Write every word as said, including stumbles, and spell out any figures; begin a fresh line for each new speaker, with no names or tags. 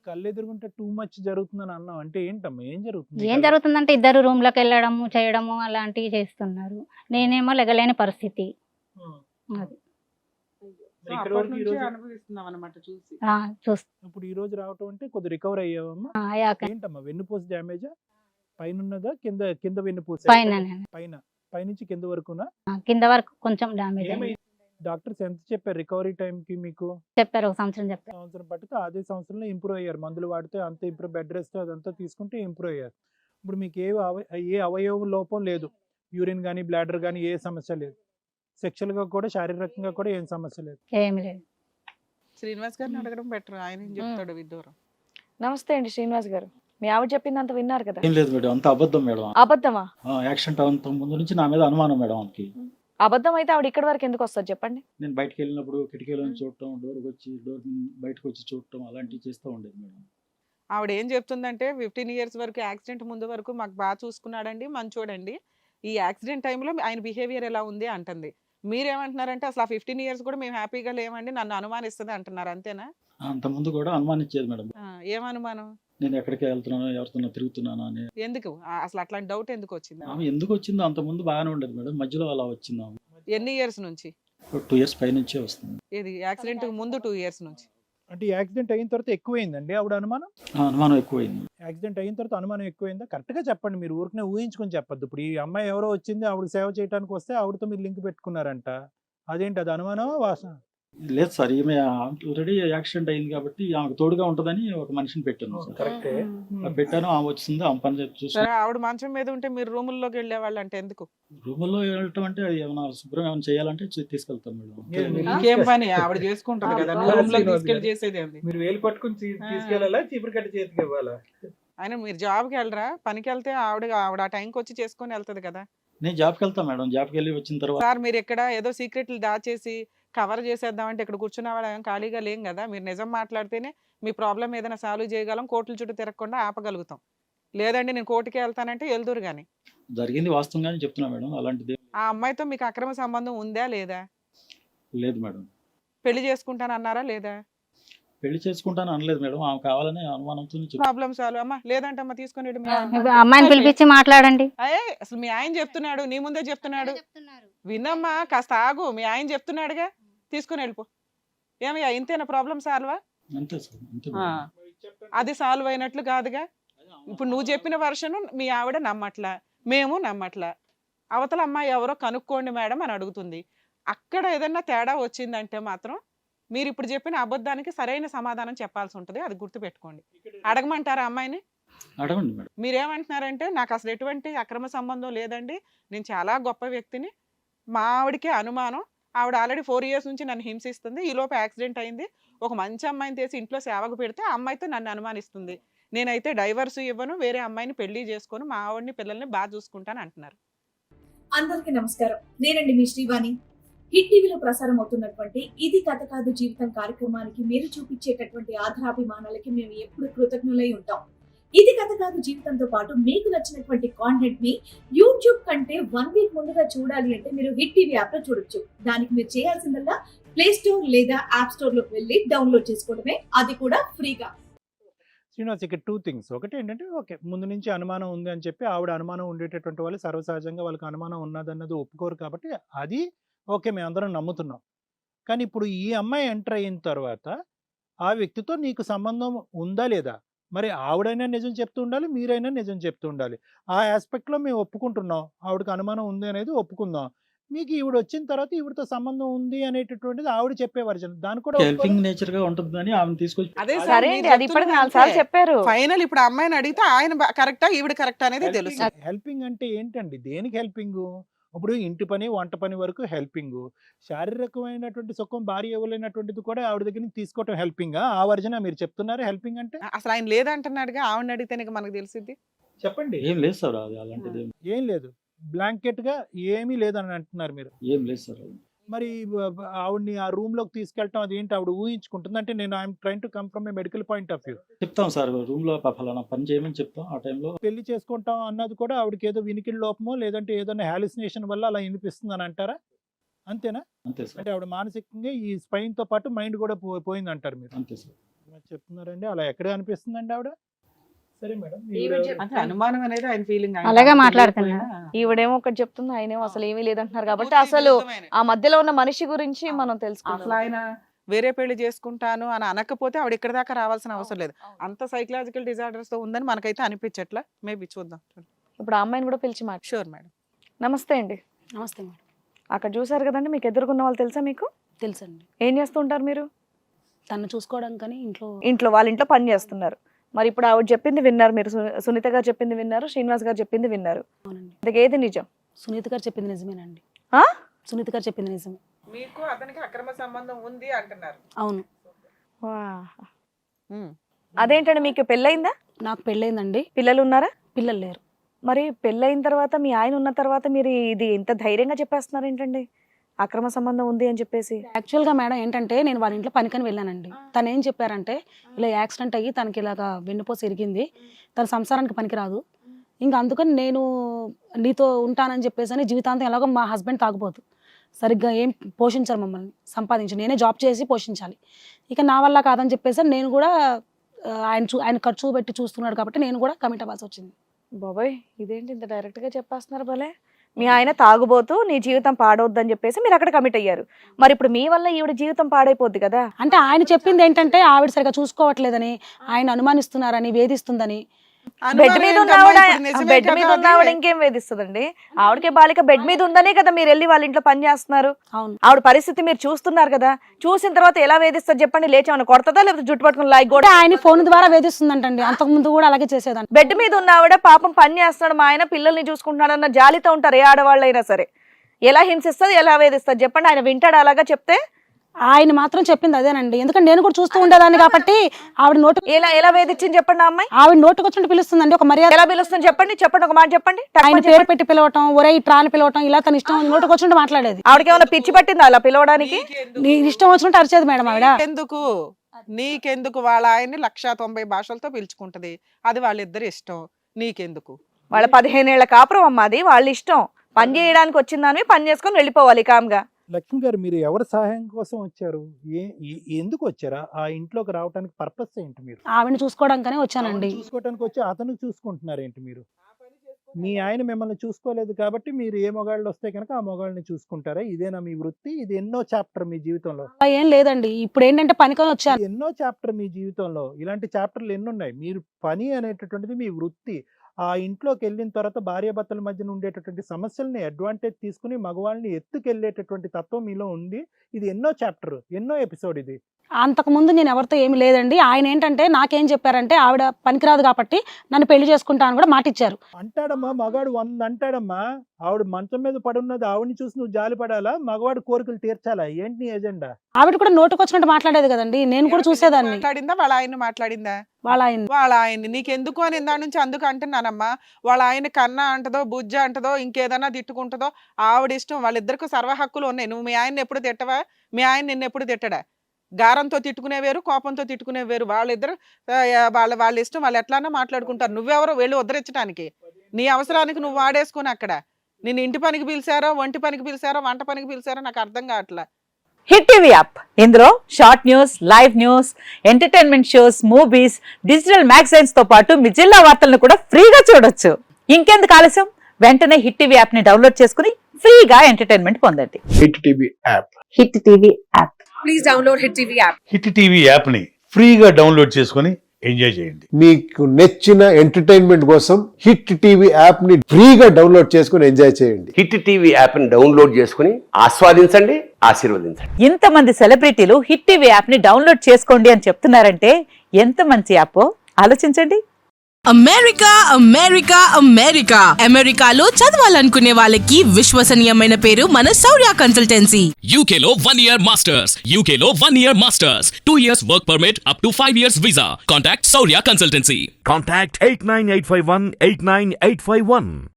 కళ్ళెదురుగుంటే too much జరుగుతుందని అన్నావు. అంటే ఏంటమ్మా? ఏం జరుగుతుంది
ఏం
కళ్ళ
జరుగుతుందంటే ఇద్దరు రూమ్‌లోకి వెళ్ళడము, చేయడము అలాంటివి చేస్తున్నారు. నేనేమో లెగలేని పరిస్థితి.
హ్మ్.
అది.
సో
మరి ఇక్కడి
అప్పటి
వరకు ఈ
నుంచి
రోజు
అనుభవిస్తున్నాం అన్నమాట చూసి.
ఆ! చూస్
ఇప్పుడు ఈ రోజు రావటం అంటే కొద్దిగా రికవర్ అయ్యావమ్మా?
ఆ! అయ్యాక
ఏంటమ్మా వెన్నుపూస డ్యామేజా? పైనున్నదా? కింద కింద వెన్నుపూస?
పైననే.
పైన. పైనుంచి కింద వరకునా?
ఆ! కింద వరకు కొంచెం డ్యామేజ్ అయింది.
ఏమైంది? డాక్టర్స్ ఎంత చెప్పారు రికవరీ టైంకి మీకు?
చెప్పారు ఒక సంవత్సరం చెప్పారు.
సంవత్సరం పట్టితే అదే సంవత్సరంలో ఇంప్రూవ్ అయ్యారు. మందులు వాడితే అంత ఇంప్రూవ్, బెడ్ రెస్ట్ అదంతా తీసుకుంటే ఇంప్రూవ్ అయ్యారు. ఇప్పుడు మీకు ఏ అవ ఏ అవయవ లోపం లేదు. యూరిన్ గానీ, బ్లాడర్ గానీ ఏ సమస్య లేదు. సెక్షువల్‌గా కూడా శారీరకంగా కూడా ఏం సమస్య లేదు.
ఏమి లేదు.
శ్రీనివాస్ గారిని అడగడం బెటర్. ఆయన ఏం చెప్తాడు విడ్డూరం.
నమస్తే అండి శ్రీనివాస్ గారు. మీ ఆవిడ చెప్పిందంత విన్నారు కదా?
ఏం లేదు మేడం, అంత అబద్ధం మేడం.
అబద్ధమా?
ఆ, యాక్సిడెంట్ అంత ముందు నుంచి నా మీద అనుమానం మేడం ఆమెకి.
అబద్ధం అయితే ఆవిడ ఇక్కడి వరకు ఎందుకు వస్తారు చెప్పండి?
నేను బయటకు వెళ్ళినప్పుడు కిటికీలో నుంచి చూడటం, డోర్కి వచ్చి డోర్ బయటకు వచ్చి చూడటం అలాంటివి చేస్తూ ఉండేది మేడం.
ఆవిడ ఏం చెప్తుందంటే ఫిఫ్టీన్ ఇయర్స్ వరకు యాక్సిడెంట్ ముందు వరకు మాకు బాగా చూసుకున్నాడండి, మంచోడండి. ఈ యాక్సిడెంట్ టైంలో ఆయన బిహేవియర్ ఎలా ఉంది అంటుంది. మీరేమంటున్నారంటే అసలు ఆ ఫిఫ్టీన్ ఇయర్స్ కూడా మేము హ్యాపీగా లేమండి, నన్ను అనుమానిస్తుంది అంటున్నారు. అంతేనా?
అంత ముందు కూడా అనుమానించేది మేడం.
ఆ, ఏం అనుమానం?
నేను ఎక్కడికి వెళ్తున్నానో ఎవరితో తిరుగుతున్నానో అని.
ఎందుకు ఆ, అసలు అట్లాంటి డౌట్ ఎందుకు వచ్చింది?
ఆమె ఎందుకు వచ్చిందో అంత ముందు బాగానే ఉండేది మేడం, మధ్యలో అలా వచ్చింది ఆమె.
ఎన్ని ఇయర్స్ నుంచి?
టూ ఇయర్స్ పై నుంచే వస్తుంది.
ఇది యాక్సిడెంట్ ముందు టూ ఇయర్స్ నుంచి.
అంటే యాక్సిడెంట్ అయిన తర్వాత ఎక్కువైందండి ఆవిడ అనుమానం?
ఆ, అనుమానం ఎక్కువైంది.
యాక్సిడెంట్ అయిన తర్వాత అనుమానం ఎక్కువైందా? కరెక్ట్‌గా చెప్పండి. మీరు ఊరికనే ఊహించుకొని చెప్పొద్దు. ఇప్పుడు ఈ అమ్మాయి ఎవరో వచ్చింది, ఆవిడకి సేవ చేయడానికి వస్తే ఆవిడతో మీరు లింక్ పెట్టుకున్నారంట. అదేంటి అది అనుమానమా? వాసన?
లేదు సార్, ఈమె ఆల్రెడీ యాక్సిడెంట్ అయింది కాబట్టి ఆమెకు తోడుగా ఉంటుందని ఒక మనిషిని పెట్టాను సార్.
కరెక్టే.
ఆ పెట్టాను, ఆమె వచ్చింది, ఆమె పని చూసి.
సరే, ఆవిడ మంచం మీద ఉంటే మీరు రూముల్లోకి వెళ్ళేవాళ్ళు అంటే ఎందుకు?
రూముల్లో వెళ్ళటం అంటే అది ఏమైనా శుభ్రం ఏమైనా చేయాలంటే చే- తీసుకెళ్తాం మేడం.
మీరు-
ఇంకేం పని ఆవిడ చేసుకుంటది కదా, నువ్వు రూమ్ లోకి తీసుకెళ్లి చేసేది ఏంది?
మీరు వేలు పట్టుకుని తీ-
ఆ.
తీసుకెళ్ళాలా, చీపురు కట్ట చేతికి ఇవ్వాలా?
ఆయన మీరు జాబ్కి వెళ్ళరా? పనికి వెళ్తే ఆవిడ ఆవిడ ఆ టైంకి వచ్చి చేసుకొని వెళ్తది కదా.
నేను జాబ్కి వెళ్తాను మేడం. జాబ్కి వెళ్ళి వచ్చిన తర్వాత
సార్ మీరు ఇక్కడ ఏదో సీక్రెట్లు దాచేసి కవర్ చేసేద్దామంటే ఇక్కడ కూర్చున్న వాళ్ళ ఖాళీగా లేం కదా. మీరు నిజం మాట్లాడితేనే మీ ప్రాబ్లం ఏదైనా సాల్వ్ చేయగలం, కోర్టుల చుట్టూ తిరగకుండా ఆపగలుగుతాం. లేదండి నేను కోర్టుకి వెళ్తానంటే వెళ్దురు కానీ.
జరిగింది వాస్తవంగానే చెప్తున్నా మేడం, అలాంటిది
ఆ అమ్మాయితో మీకు అక్రమ సంబంధం ఉందా లేదా?
లేదు మేడం.
పెళ్లి చేసుకుంటాను అన్నారా లేదా?
పెళ్లి చేసుకుంటాను అనలేదు మేడం, ఆమె కావాలనే అనుమానంతో చెప్తాను.
Problem solve. అమ్మా లేదంటే అమ్మ తీసుకొని వెళ్ళు. మీ ఆయన-
ఇప్పుడు అమ్మాయిని పిలిపించి మాట్లాడండి.
అయ్యే అసలు మీ ఆయన చెప్తున్నాడు, నీ ముందే చెప్తున్నాడు. వినమ్మా, కాస్త ఆగు. మీ ఆయన చెప్తున్నాడుగా, తీసుకుని వెళ్ళిపో. ఏమయ్యా ఇంతేనా ప్రాబ్లం సాల్వా?
అంతే సార్, అంతే
ఆ,
మేడం.
అది సాల్వ్ అయినట్లు కాదుగా. ఇప్పుడు నువ్వు చెప్పిన వర్షను మీ ఆవిడ నమ్మట్లా, మేము నమ్మట్లా. అవతల అమ్మాయి ఎవరో కనుక్కోండి మేడం అని అడుగుతుంది. అక్కడ ఏదన్నా తేడా వచ్చిందంటే మాత్రం మీరు ఇప్పుడు చెప్పిన అబద్ధానికి సరైన సమాధానం చెప్పాల్సి ఉంటుంది. అది గుర్తుపెట్టుకోండి. అడగమంటారా అమ్మాయిని?
అడగండి మేడం.
మీరేమంటున్నారంటే నాకు అసలు ఎటువంటి అక్రమ సంబంధం లేదండి, నేను చాలా గొప్ప వ్యక్తిని, మా ఆవిడకే అనుమానం, ఆవిడ ఆల్రెడీ ఫోర్ ఇయర్స్ నుంచి నన్ను హింసిస్తుంది, ఈ లోపు యాక్సిడెంట్ అయింది, ఒక మంచి అమ్మాయిని తీసి ఇంట్లో సేవకు పెడితే ఆ అమ్మాయితో నన్ను అనుమానిస్తుంది, నేనైతే డైవర్స్ ఇవ్వను, వేరే అమ్మాయిని పెళ్లి చేసుకొని మా ఆవిడని పిల్లల్ని బాగా చూసుకుంటాను అంటున్నారు.
అందరికీ నమస్కారం. నేనండి మీ శ్రీవాణి. హిట్ టీవీలో ప్రసారం అవుతున్నటువంటి ఇది కథ కాదు జీవితం కార్యక్రమానికి మీరు చూపించేటటువంటి ఆధారాభిమానాలకి మేము ఎప్పుడు కృతజ్ఞులై ఉంటాం. ఇది కథ కాదు జీవితంతో పాటు మీకు నచ్చినటువంటి కాంటెంట్ ని యూట్యూబ్ కంటే వన్ వీక్ ముందుగా చూడాలి అంటే మీరు హిట్ టీవీ యాప్ లో చూడొచ్చు. దానికి మీరు చేయాల్సిందల్లా ప్లే స్టోర్ లేదా యాప్ స్టోర్ లోకి వెళ్ళి డౌన్లోడ్ చేసుకోవడమే, అది కూడా ఫ్రీగా.
శ్రీనివాస్, ఇక్కడ టూ థింగ్స్. ఒకటి ఏంటంటే, ఓకే, ముందు నుంచి అనుమానం ఉంది అని చెప్పి ఆవిడ అనుమానం ఉండేటటువంటి వాళ్ళు సర్వసహజంగా వాళ్ళకి అనుమానం ఉన్నదన్నది ఒప్పుకోరు కాబట్టి అది ఓకే, మేమందరం నమ్ముతున్నాం. కానీ ఇప్పుడు ఈ అమ్మాయి ఎంటర్ అయిన తర్వాత ఆ వ్యక్తితో నీకు సంబంధం ఉందా లేదా? మరి ఆవిడైనా నిజం చెప్తూ ఉండాలి, మీరైనా నిజం చెప్తూ ఉండాలి. ఆ ఆస్పెక్ట్లో మేము ఒప్పుకుంటున్నాం, ఆవిడకి అనుమానం ఉంది అనేది ఒప్పుకుందాం. మీకు ఈవిడ వచ్చిన తర్వాత ఈవిడతో సంబంధం ఉంది అనేటటువంటిది ఆవిడ చెప్పే వర్జన్, దాని కూడా
హెల్పింగ్ నేచర్ గా ఉంటుందని ఆమె తీసుకొచ్చి
అదే సార్,
సరే అండి, అది ఇప్పటికి నాలుగు సార్లు చెప్పారు.
ఫైనల్ ఇప్పుడు అమ్మాయిని అడిగితే ఆయన కరెక్టా ఈవిడ కరెక్టా అనేది తెలుసు.
హెల్పింగ్ అంటే ఏంటండి? దేనికి హెల్పింగ్? ఇప్పుడు ఇంటి పని, వంట పని వరకు హెల్పింగ్. శారీరకమైనటువంటి సుఖం భార్య ఇవ్వలేనటువంటిది కూడా ఆవిడ దగ్గర నుంచి తీసుకోవటం హెల్పింగా? ఆ వర్జన మీరు చెప్తున్నారు హెల్పింగ్ అంటే?
అసలు ఆయన లేదంటున్నాడుగా, ఆవిడని అడిగితేనే మనకు తెలిసింది.
చెప్పండి.
ఏం లేదు సార్, అది అలాంటిది ఏం-
ఏం లేదు, బ్లాంకెట్ గా ఏమీ లేదని అంటున్నారు మీరు.
ఏం లేదు సార్. అది
మరి బ- బ- ఆవిడ్ని ఆ రూమ్ లోకి తీసుకెళ్ళటం అది ఏంటి? ఆవిడ ఊహించుకుంటుంది అంటే నేను I'm train to come from a medical point of view.
చెప్తాం సార్, రూమ్ లో ఫలానా పని చేయమని చెప్తాం. ఆ టైంలో
పెళ్లి చేసుకుంటాం అన్నది కూడా ఆవిడకి ఏదో వినికిడి లోపమో లేదంటే ఏదైనా హాలిసినేషన్ వల్ల అలా వినిపిస్తుంది అని అంటారా? అంతేనా?
అంతే సార్,
అంటే ఆవిడ మానసికంగా ఈ స్పైన్ తో పాటు మైండ్ కూడా పో- పోయింది అంటారు మీరు.
అంతే సార్.
చెప్తున్నారండి, అలా ఎక్కడ అనిపిస్తుందండి ఆవిడ? సరే మేడం,
ఈవిడ
ఈవిడ-
చెప్-
అంటే అనుమానం అనేది ఆయన ఫీలింగ్
అలాగే మాట్లాడుతున్నారు.
ఈవిడేమో ఒకటి చెప్తుంది, ఆయనేమో అసలు ఏమీ లేదంటున్నారు కాబట్టి
పూర్తి
అసలు
విరుద్ధమైన.
ఆ మధ్యలో ఉన్న మనిషి గురించి
అవును.
మనం
అసలు
తెలుసుకోవాలి.
ఆయన వేరే పెళ్లి చేసుకుంటాను అని అనకపోతే ఆవిడ ఇక్కడ దాకా రావాల్సిన అవసరం లేదు. అంత సైకలాజికల్ డిజార్డర్స్ తో ఉందని మనకైతే అనిపించట్లా. మేబీ చూద్దాం.
ఇప్పుడు ఆ అమ్మాయిని కూడా పిలిచి మాట.
Sure madam.
నమస్తే అండి.
నమస్తే మేడం.
అక్కడ చూసారు కదండి, మీకు ఎదురుకున్న వాళ్ళు తెలుసా మీకు?
తెలుసండి.
ఏం చేస్తుంటారు మీరు?
తను చూసుకోవడం కానీ ఇంట్లో
ఇంట్లో వాళ్ళ ఇంట్లో పని చేస్తున్నారు. మరి ఇప్పుడు ఆవిడ చెప్పింది విన్నారు మీరు, సు- సునీత గారు చెప్పింది విన్నారు, శ్రీనివాస్ గారు చెప్పింది విన్నారు.
అవునండి.
ఇంతకీ ఏది నిజం?
సునీత గారు చెప్పింది నిజమేనండి.
ఆ?
సునీత గారు చెప్పింది నిజమే.
మీకు అతనికి అక్రమ సంబంధం ఉంది అంటున్నారు.
అవును.
వా.
ఉమ్.
అదేంటండి, మీకు పెళ్ళయిందా?
నాకు పెళ్ళైందండి,
పిల్లలు ఉన్నారా?
పిల్లలు లేరు.
మరి పెళ్ళైన తర్వాత మీ ఆయన ఉన్న తర్వాత మీరు ఇది ఇంత ధైర్యంగా చెప్పేస్తున్నారు ఏంటండి, అక్రమ సంబంధం ఉంది అని చెప్పేసి?
యాక్చువల్గా మేడం ఏంటంటే నేను వాళ్ళ ఇంట్లో పనికని వెళ్ళానండి. తను ఏం చెప్పారంటే ఇలా యాక్సిడెంట్ అయ్యి తనకి ఇలాగా వెన్నుపోసి ఇరిగింది, తన సంసారానికి పనికిరాదు, ఇంకా అందుకని నేను నీతో ఉంటానని చెప్పేసి అని జీవితాంతం ఎలాగో మా హస్బెండ్ తాగుపోతు సరిగ్గా ఏం పోషించారు మమ్మల్ని, సంపాదించి నేనే జాబ్ చేసి పోషించాలి, ఇక నా వల్ల కాదని చెప్పేసి నేను కూడా ఆ, ఆయన చూ ఆయన ఖర్చు పెట్టి చూస్తున్నాడు కాబట్టి నేను కూడా కమిట్ అవ్వాల్సి వచ్చింది.
బాబాయ్ ఇదేంటి ఇంత డైరెక్ట్ గా చెప్పేస్తున్నారు భలే. మీ ఆయన తాగుబోతూ నీ జీవితం పాడవద్దని చెప్పేసి మీరు అక్కడ కమిట్ అయ్యారు. మరి ఇప్పుడు మీ వల్ల ఈవిడ జీవితం పాడైపోద్ది కదా.
అంటే ఆయన చెప్పింది ఏంటంటే ఆవిడ సరిగా చూసుకోవట్లేదని, ఆయన అనుమానిస్తున్నారని, వేధిస్తుందని.
బెడ్ మీద ఉన్న
అనుమానం
ఆవిడ
ఏంటమ్మా? ఇప్పుడు నిజమే
బెడ్ మీద
కదా
ఉన్న ఆవిడ
అది?
ఇంకేం వేధిస్తుందండి? ఆవిడకే బాలిక బెడ్ మీద ఉందనే కదా మీరు వెళ్ళి వాళ్ళ ఇంట్లో పని చేస్తున్నారు.
అవును.
ఆవిడ పరిస్థితి మీరు చూస్తున్నారు కదా, చూసిన తర్వాత ఎలా వేధిస్తారు చెప్పండి? లేచేమన్నా కొడతదా లేకపోతే జుట్టు పట్టుకుని లాగి
అంటే
కూడా?
ఆయన ఫోన్ ద్వారా వేధిస్తుందంటండి, అంతకు ముందు కూడా అలాగే చేసేదాన్ని.
బెడ్ మీద ఉన్న ఆవిడ పాపం పని చేస్తున్నాడు, మా ఆయన పిల్లల్ని చూసుకుంటున్నాడు అన్న జాలితో ఉంటారు ఏ ఆడవాళ్ళైనా సరే. ఎలా హింసిస్తుంది, ఎలా వేధిస్తారు చెప్పండి? ఆయన వింటాడు అలాగా చెప్తే?
ఆయన మాత్రం చెప్పింది అదేనండి, ఎందుకంటే నేను కూడా చూస్తూ ఉండేదాన్ని కాబట్టి. ఆవిడ నోటు
ఎలా ఎలా వేధించింది చెప్పండి ఆ అమ్మాయి?
ఆవిడ నోటుకు వచ్చినట్టు పిలుస్తుందండి, ఒక మర్యాద.
ఎలా పిలుస్తుంది చెప్పండి? చెప్పండి ఒక మాట చెప్పండి.
ఆయన
టక్కుమని
పేరు
చెప్పండి.
పెట్టి పిలవటం, ఒరే ట్రాని పిలవటం, ఇలా తన ఇష్టం నోటుకు వచ్చినట్టు మాట్లాడేది.
ఆవిడకి ఏమైనా పిచ్చి పట్టిందా అలా పిలవడానికి?
నీకెందుకు?
నీ ఇష్టం వచ్చినట్టు అరిచేది మేడం ఆవిడ.
నీకెందుకు నీకెందుకు వాళ్ళ ఆయన్ని లక్షా తొంభై భాషలతో పిలుచుకుంటది, అది వాళ్ళిద్దరి ఇష్టం. నీకెందుకు?
వాళ్ళ పదిహేనేళ్ల కాపురం అమ్మ, అది వాళ్ళ ఇష్టం. పని చేయడానికి వచ్చిందని పని చేసుకొని వెళ్ళిపోవాలి కామ్గా.
లక్ష్మి గారు, మీరు ఎవరి సహాయం కోసం వచ్చారు? ఏ ఏ- ఎందుకు వచ్చారా ఆ ఇంట్లోకి రావడానికి? పర్పస్ ఏంటి? మీరు
ఆవిడని చూసుకోవడానికనే వచ్చానండి.
ఆవిడని చూసుకోవడానికి వచ్చి అతను చూసుకుంటున్నారు ఏంటి? మీరు మీ ఆయన మిమ్మల్ని చూసుకోలేదు కాబట్టి మీరు ఏ మొగాళ్ళు వస్తే కనుక ఆ మొగాళ్ళని చూసుకుంటారా? ఇదేనా మీ వృత్తి? ఇది ఎన్నో చాప్టర్ మీ జీవితంలో?
అలా ఏం లేదండి, ఇప్పుడు ఏంటంటే పనికొని వచ్చాను.
ఇది ఎన్నో చాప్టర్ మీ జీవితంలో. ఇలాంటి చాప్టర్లు ఎన్ని ఉన్నాయి? మీరు పని అనేటటువంటిది మీ వృత్తి. ఆ ఇంట్లోకి వెళ్ళిన తర్వాత భార్యాభర్తల మధ్యన ఉండేటటువంటి సమస్యల్ని అడ్వాంటేజ్ తీసుకుని మగవాళ్ళని ఎత్తుకెళ్ళేటటువంటి తత్వం మీలో ఉంది. ఇది ఎన్నో చాప్టర్, ఎన్నో ఎపిసోడ్ ఇది.
అంతకు ముందు నేను ఎవరితో ఏమి లేదండి. ఆయన ఏంటంటే నాకేం చెప్పారంటే ఆవిడ పనికిరాదు కాబట్టి నన్ను పెళ్లి చేసుకుంటా అని కూడా మాట ఇచ్చారు.
అంటాడమ్మా మగాడు వంద అంటాడమ్మా. ఆవిడ మంచం మీద పడున్నది, ఆవిడని చూసి నువ్వు జాలి పడాలా? మగవాడు కోరికలు తీర్చాలా? ఏంటి నీ ఎజెండా?
ఆవిడ కూడా నోటుకు వచ్చినట్టు మాట్లాడేది కదండి, నేను కూడా చూసేదాన్ని.
మాట్లాడిందా వాళ్ళ ఆయన మాట్లాడిందా?
వాళ్ళ ఆయన
వాళ్ళ ఆయన్ని నీకెందుకు అని ఇందా నుంచి అందుకు అంటున్నానమ్మా. వాళ్ళ ఆయన కన్నా అంటదో, బుజ్జ అంటదో, ఇంకేదన్నా తిట్టుకుంటుందో ఆవిడ ఇష్టం. వాళ్ళిద్దరికి సర్వ హక్కులు ఉన్నాయి. నువ్వు మీ ఆయన్ని ఎప్పుడు తిట్టవా? మీ ఆయన నిన్ను ఎప్పుడు తిట్టడా? గారంతో తిట్టుకునే వేరు, కోపంతో తిట్టుకునే వేరు. వాళ్ళిద్దరు ఆ, వాళ్ళ వాళ్ళ ఇష్టం, వాళ్ళు ఎట్లానా మాట్లాడుకుంటారు. నువ్వెవరో వెళ్ళి ఉద్ధరించడానికి? నీ అవసరానికి నువ్వు వాడేసుకుని అక్కడ నిన్ను ఇంటి పనికి పిలిచారో, ఒంటి పనికి పిలిచారో, వంట పనికి పిలిచారో నాకు అర్థం కావట్లా.
హిట్ టీవీ యాప్, ఇందులో short news, live news, entertainment shows, movies, digital magazines తో పాటు మీ జిల్లా వార్తలను కూడా ఫ్రీగా చూడొచ్చు. ఇంకెందుకు ఆలస్యం? వెంటనే హిట్ టీవీ యాప్ ని డౌన్లోడ్ చేసుకుని ఫ్రీగా ఎంటర్టైన్మెంట్ పొందండి.
Hit TV app
Hit TV app.
Please download Hit TV app.
Hit TV యాప్ని ఫ్రీగా డౌన్లోడ్ చేసుకొని ఎంజాయ్ చేయండి.
మీకు నచ్చిన ఎంటర్టైన్మెంట్ కోసం హిట్ టీవీ యాప్ ని ఫ్రీగా డౌన్లోడ్ చేసుకుని ఎంజాయ్ చేయండి.
హిట్ టీవీ యాప్ని డౌన్లోడ్ చేసుకుని ఆస్వాదించండి, ఆశీర్వదించండి.
ఇంతమంది సెలబ్రిటీలు హిట్ టీవీ యాప్ ని డౌన్లోడ్ చేసుకోండి అని చెప్తున్నారంటే ఎంత మంచి యాప్ ఆలోచించండి.
అమెరికా అమెరికా అమెరికా అమెరికాలో చదవాలనుకునే వాళ్ళకి విశ్వసనీయమైన పేరు మన శౌర్య కన్సల్టెన్సీ.
యూకేలో వన్ ఇయర్ మాస్టర్స్, యూకేలో one year masters, two years work permit, up to five years visa. Contact Shaurya consultancy.
Contact eight nine eight five one eight nine eight five one.